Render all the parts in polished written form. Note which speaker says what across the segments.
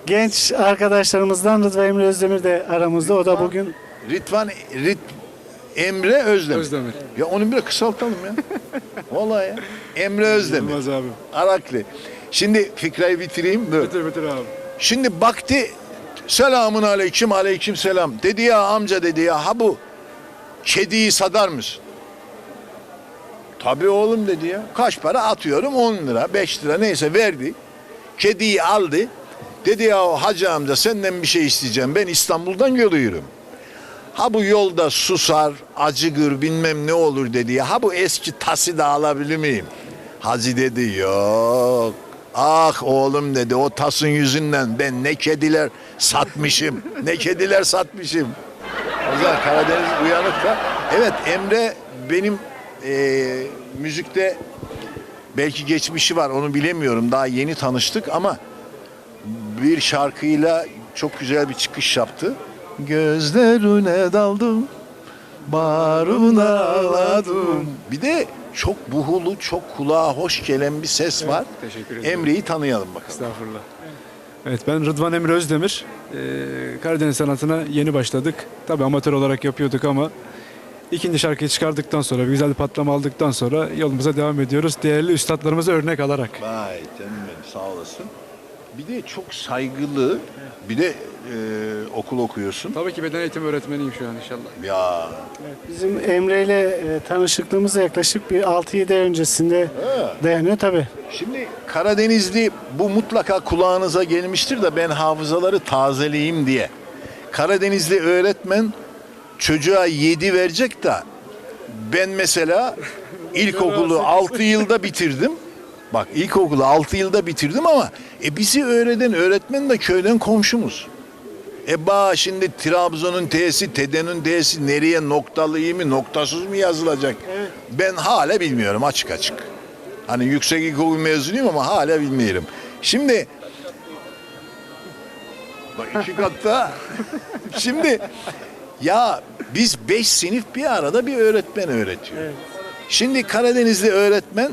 Speaker 1: Genç arkadaşlarımızdan Rıdvan Emre Özdemir de aramızda. O da bugün
Speaker 2: Emre Özdemir.
Speaker 3: Özdemir.
Speaker 2: Ya onu bir kısaltalım ya. Vallahi ya. Emre Özdemir.
Speaker 3: Yılmaz abi.
Speaker 2: Arakli. Şimdi fikrayı bitireyim. Dur.
Speaker 3: Bitir abi.
Speaker 2: Şimdi baktı, selamun aleyküm, aleyküm selam. Dedi ya amca, dedi ya, ha bu kediyi sadar mısın? Tabii oğlum dedi ya. Kaç para? Atıyorum 10 lira, 5 lira neyse verdi. Kediyi aldı. Dedi ya hacı amca, senden bir şey isteyeceğim. Ben İstanbul'dan geliyorum. Ha bu yolda susar, acıgır, bilmem ne olur dedi ya. Ha bu eski tası da alabilir miyim? Hacı dedi yok. Ah oğlum dedi, o tasın yüzünden ben ne kediler satmışım. Ne kediler satmışım. O zaman Karadeniz uyanık da. Evet, Emre benim müzikte belki geçmişi var, onu bilemiyorum. Daha yeni tanıştık ama bir şarkıyla çok güzel bir çıkış yaptı. Gözlerine daldım, bağrına ağladım. Bir de çok buhulu, çok kulağa hoş gelen bir ses var.
Speaker 3: Teşekkür ederim.
Speaker 2: Emre'yi tanıyalım bakalım.
Speaker 3: Estağfurullah. Evet, ben Rıdvan Emre Özdemir. Karadeniz sanatına yeni başladık. Tabii amatör olarak yapıyorduk ama ikinci şarkıyı çıkardıktan sonra, bir güzel bir patlama aldıktan sonra yolumuza devam ediyoruz. Değerli üstadlarımıza örnek alarak.
Speaker 2: Vay canım benim, sağ olasın. Bir de çok saygılı, bir de okul okuyorsun.
Speaker 3: Tabii ki beden eğitimi öğretmeniyim şu an inşallah.
Speaker 2: Ya
Speaker 1: bizim Emre ile tanışıklığımız yaklaşık bir 6-7 ay öncesinde dayanıyor tabii.
Speaker 2: şimdi Karadenizli, bu mutlaka kulağınıza gelmiştir de ben hafızaları tazeleyeyim diye. Karadenizli öğretmen çocuğa 7 verecek de ben mesela ilkokulu 6 yılda bitirdim. Bak ilkokulu 6 yılda bitirdim ama bizi öğreten öğretmen de köyden komşumuz. Şimdi Trabzon'un T'si, Teden'in T'si nereye, noktalı iyi mi, noktasız mı yazılacak?
Speaker 1: Evet.
Speaker 2: Ben hala bilmiyorum, açık açık. Hani yüksek ilkokul mezunuyum ama hala bilmiyorum. Şimdi bak 2 katta. Şimdi ya biz 5 sınıf bir arada bir öğretmen öğretiyor.
Speaker 1: Evet.
Speaker 2: Şimdi Karadenizli öğretmen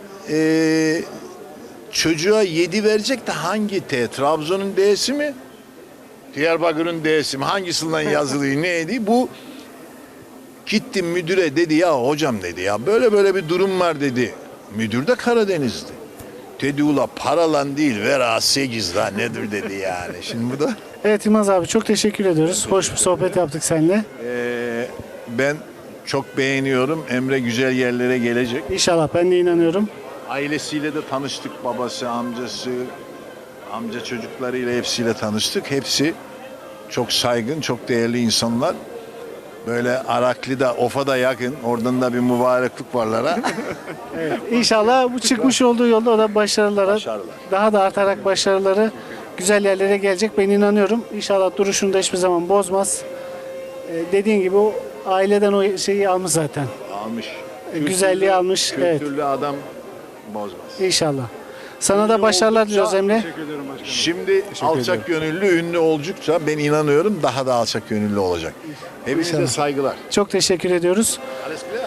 Speaker 2: çocuğa 7 verecek de hangi T? Trabzon'un D'si mi? Diyarbakır'ın D'si mi? Hangisinden yazılıyor neydi? Bu gittim müdüre, dedi ya hocam dedi ya böyle böyle bir durum var dedi. Müdür de Karadeniz'di. Dedi ula paralan değil vera 8 la nedir dedi yani. Şimdi bu da
Speaker 1: Evet Yılmaz abi, çok teşekkür ediyoruz. Hoş bir sohbet yaptık seninle.
Speaker 2: ben çok beğeniyorum. Emre güzel yerlere gelecek.
Speaker 1: İnşallah, ben de inanıyorum.
Speaker 2: Ailesiyle de tanıştık. Babası, amcası, amca çocuklarıyla hepsiyle tanıştık. Hepsi çok saygın, çok değerli insanlar. Böyle Araklı'da, Ofa'da yakın. Oradan da bir mübareklik varlara.
Speaker 1: Evet. İnşallah bu çıkmış olduğu yolda o da başarılara,
Speaker 2: Başarılar.
Speaker 1: daha da artarak başarıları güzel yerlere gelecek. Ben inanıyorum. İnşallah duruşunu da hiçbir zaman bozmaz. Dediğin gibi o aileden o şeyi almış zaten.
Speaker 2: Almış.
Speaker 1: Güzelliği almış. Evet.
Speaker 2: Kültürlü adam bozmaz.
Speaker 1: İnşallah. Sana da başarılar diliyoruz Emre.
Speaker 3: Teşekkür ederim başkanım.
Speaker 2: Şimdi alçak gönüllü, ünlü oldukça ben inanıyorum daha da alçak gönüllü olacak. Hepinize
Speaker 1: İnşallah.
Speaker 2: saygılar.
Speaker 1: Çok teşekkür ediyoruz.
Speaker 2: Alles klar?